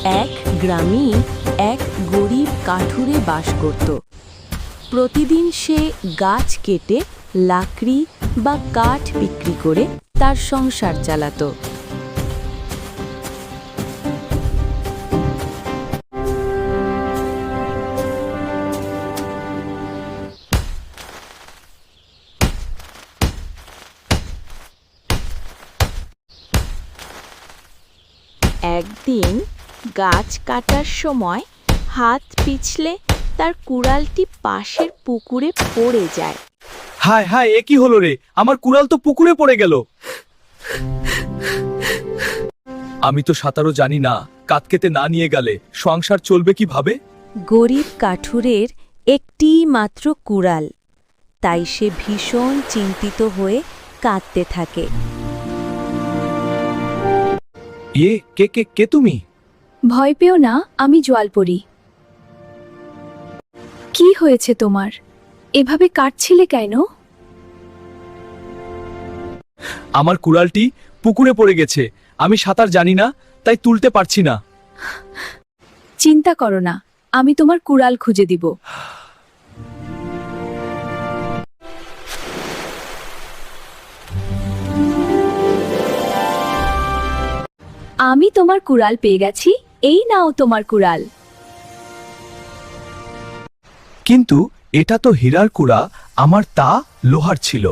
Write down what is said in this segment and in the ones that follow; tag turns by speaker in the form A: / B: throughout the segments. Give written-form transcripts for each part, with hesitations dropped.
A: এক গ্রামে এক গরিব কাঠুরে বাস করত। প্রতিদিন সে গাছ কেটে লাকড়ি বা কাঠ বিক্রি করে তার সংসার চালাতো। একদিন গাছ কাটার সময় হাত পিছলে তার কুড়ালটি পাশের পুকুরে পড়ে যায়।
B: হায় হায়, এ কি হলো রে? আমার কুড়াল তো পুকুরে পড়ে গেল। আমি তো সাঁতারও জানি না, কাতকেতে না নিয়ে গেলে সংসার চলবে কিভাবে?
A: গরিব কাঠুরের একটি মাত্র কুড়াল, তাই সে ভীষণ চিন্তিত হয়ে কাঁদতে থাকে।
B: কে কে কে তুমি?
C: ভয় পেও না, আমি জলপরি। কি হয়েছে তোমার? এভাবে কাটছিলে কেন?
B: আমার কুড়ালটি পুকুরে পড়ে গেছে, আমি সাঁতার জানি না, তাই তুলতে পারছি না।
C: চিন্তা করো না, আমি তোমার কুড়াল খুঁজে দিব। আমি তোমার কুড়াল পেয়ে গেছি, এই নাও তোমার কুড়াল।
B: কিন্তু এটা তো হীরার কুড়া, আমার তা লোহার ছিল।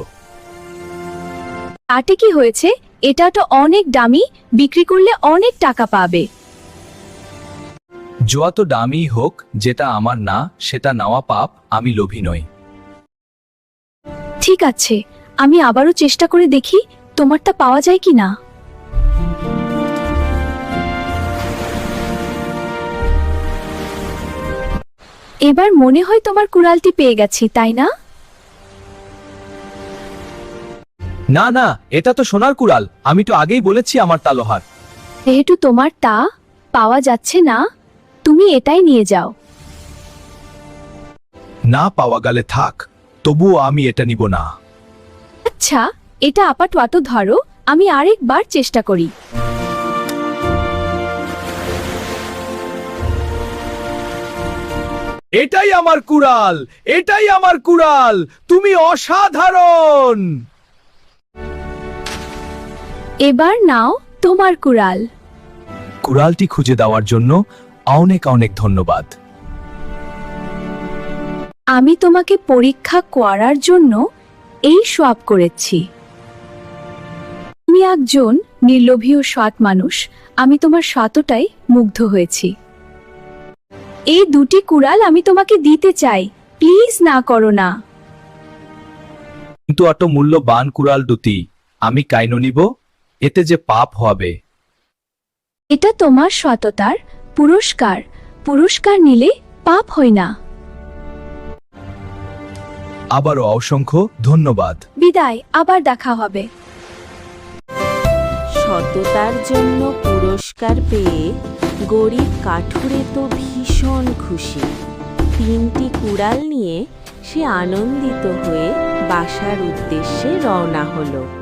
C: তাতে কি হয়েছে? এটা তো অনেক দামি, বিক্রি করলে অনেক টাকা পাবে।
B: যত দামি হোক, যেটা আমার না সেটা নেওয়া পাপ, আমি লোভী নই।
C: ঠিক আছে, আমি আবারও চেষ্টা করে দেখি তোমারটা পাওয়া যায় কি না। এবার মনে হয় তোমার কুড়ালটি পেয়ে গেছি, তাই না?
B: না না, এটা তো সোনার কুড়াল, আমি তো আগেই বলেছি আমার তা লোহার।
C: যেহেতু তোমার তা পাওয়া যাচ্ছে না, তুমি এটাই নিয়ে যাও।
B: না পাওয়া গেলে থাক, তবুও আমি এটা নিব না।
C: আচ্ছা, এটা আপাতত ধরো, আমি আরেকবার চেষ্টা করি।
B: এটাই আমার কুড়াল, এটাই আমার কুড়াল, তুমি অসাধারণ।
C: এবার নাও তোমার কুড়াল।
B: কুড়ালটি খুঁজে দেওয়ার জন্য অনেক অনেক ধন্যবাদ।
C: আমি তোমাকে পরীক্ষা করার জন্য এই সব করেছি। তুমি একজন নির্লোভী ও সৎ মানুষ, আমি তোমার সততায় মুগ্ধ হয়েছি। এই দুটি কুড়াল আমি তোমাকে দিতে চাই, প্লিজ না করো না।
B: কিন্তু এত মূল্যবান কুড়াল দুটি আমি কাইনো নিব? এতে যে পাপ হবে।
C: এটা তোমার সততার পুরস্কার, পুরস্কার নিলে পাপ হয় না।
B: আবারও অসংখ্য ধন্যবাদ।
C: বিদায়, আবার দেখা হবে।
A: সততার জন্য পুরস্কার পেয়ে গরিব কাঠুরে তো ভীষণ খুশি। 3টি কুড়াল নিয়ে সে আনন্দিত হয়ে বাসার উদ্দেশ্যে রওনা হলো।